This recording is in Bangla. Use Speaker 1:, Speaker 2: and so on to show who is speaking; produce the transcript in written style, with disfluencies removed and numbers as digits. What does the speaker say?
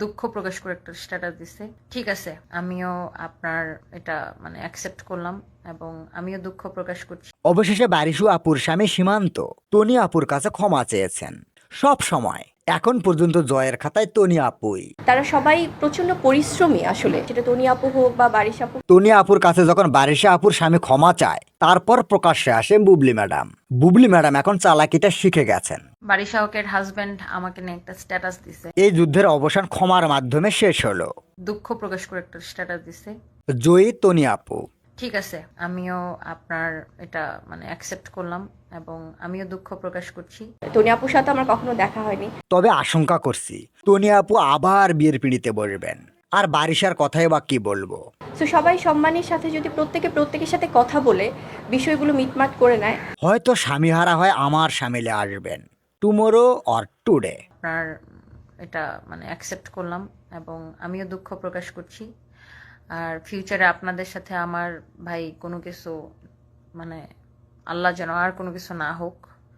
Speaker 1: দুঃখ প্রকাশ করে একটা স্ট্যাটাস দিছে। ঠিক আছে, আমিও আপনার এটা অ্যাকসেপ্ট করলাম এবং আমিও দুঃখ প্রকাশ করছি।
Speaker 2: অবশেষে বারিশু আপুর স্বামী সীমান্ত তনি আপুর কাছে ক্ষমা চেয়েছেন। সব সময় এখন পর্যন্ত জয়ের খাতায় তনি আপুই।
Speaker 3: তারা সবাই প্রচন্ড পরিশ্রমী আসলে, সেটা তনি আপু হোক বা বারিশ আপু।
Speaker 2: তনি আপুর কাছে যখন বারিশা আপুর স্বামী ক্ষমা চায়, তারপর প্রকাশ্যে আসে বুবলি ম্যাডাম। বুবলি ম্যাডাম এখন চালাকিটা শিখে গেছেন।
Speaker 1: বারিশা হকের হাজবেন্ড আমাকে নিয়ে একটা স্ট্যাটাস দিছে,
Speaker 2: এই যুদ্ধের অবসান ক্ষমার মাধ্যমে শেষ হলো।
Speaker 1: দুঃখ প্রকাশ করে একটা স্ট্যাটাস দিছে।
Speaker 2: জয়ী তনি আপু।
Speaker 1: ঠিক আছে, আমিও আপনার এটা অ্যাকসেপ্ট করলাম এবং আমিও দুঃখ প্রকাশ করছি।
Speaker 3: তনি আপুর সাথে আমার কখনো দেখা হয়নি।
Speaker 2: তবে আশঙ্কা করছি তনি আপু আবার বিয়ের পিঁড়িতে বসবেন। আর বারিশার কথাই বা কি বলবো।
Speaker 3: তো সবাই সম্মানের সাথে যদি প্রত্যেকের সাথে কথা বলে বিষয়গুলো মিটমাট করে নেয়।
Speaker 2: হয়তো স্বামীহারা হয় আমার সামিলে আসবেন টুমোরো অর টুডে।
Speaker 1: আপনার এটা অ্যাকসেপ্ট করলাম এবং আমিও দুঃখ প্রকাশ করছি। আর ফিউচারে আপনাদের সাথে আমার ভাই কোনো কিছু আল্লাহ যেন আর কোনো কিছু না হোক।